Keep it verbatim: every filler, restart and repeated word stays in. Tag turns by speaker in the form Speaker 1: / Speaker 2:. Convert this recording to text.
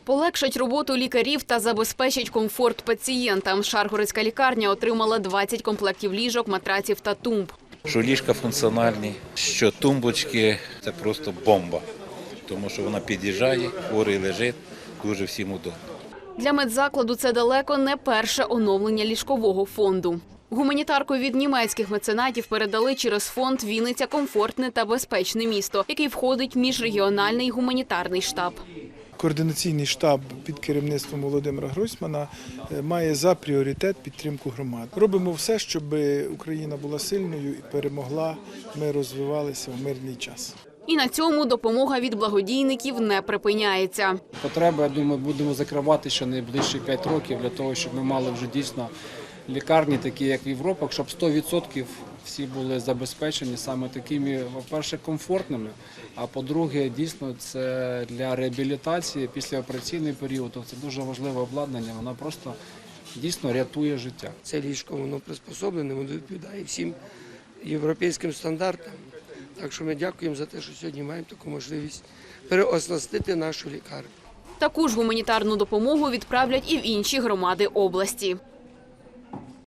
Speaker 1: Полегшать роботу лікарів та забезпечить комфорт пацієнтам. Шаргородська лікарня отримала двадцять комплектів ліжок, матраців та тумб.
Speaker 2: Що ліжка функціональні, що тумбочки – це просто бомба. Тому що вона під'їжджає, хворий лежить, дуже всім удобно.
Speaker 1: Для медзакладу це далеко не перше оновлення ліжкового фонду. Гуманітарку від німецьких меценатів передали через фонд «Вінниця – комфортне та безпечне місто», який входить в міжрегіональний гуманітарний штаб.
Speaker 3: Координаційний штаб під керівництвом Володимира Гройсмана має за пріоритет підтримку громад. Робимо все, щоб Україна була сильною і перемогла, ми розвивалися в мирний час.
Speaker 1: І на цьому допомога від благодійників не припиняється.
Speaker 4: Потреби, я думаю, будемо закривати ще найближчі п'ять років для того, щоб ми мали вже дійсно лікарні, такі як в Європі, щоб сто відсотків всі були забезпечені саме такими, по-перше, комфортними, а по-друге, дійсно, це для реабілітації післяопераційний період. Це дуже важливе обладнання, воно просто дійсно рятує життя.
Speaker 5: Це ліжко, воно приспособлене, воно відповідає всім європейським стандартам. Так що ми дякуємо за те, що сьогодні маємо таку можливість переоснастити нашу лікарню.
Speaker 1: Таку ж гуманітарну допомогу відправлять і в інші громади області.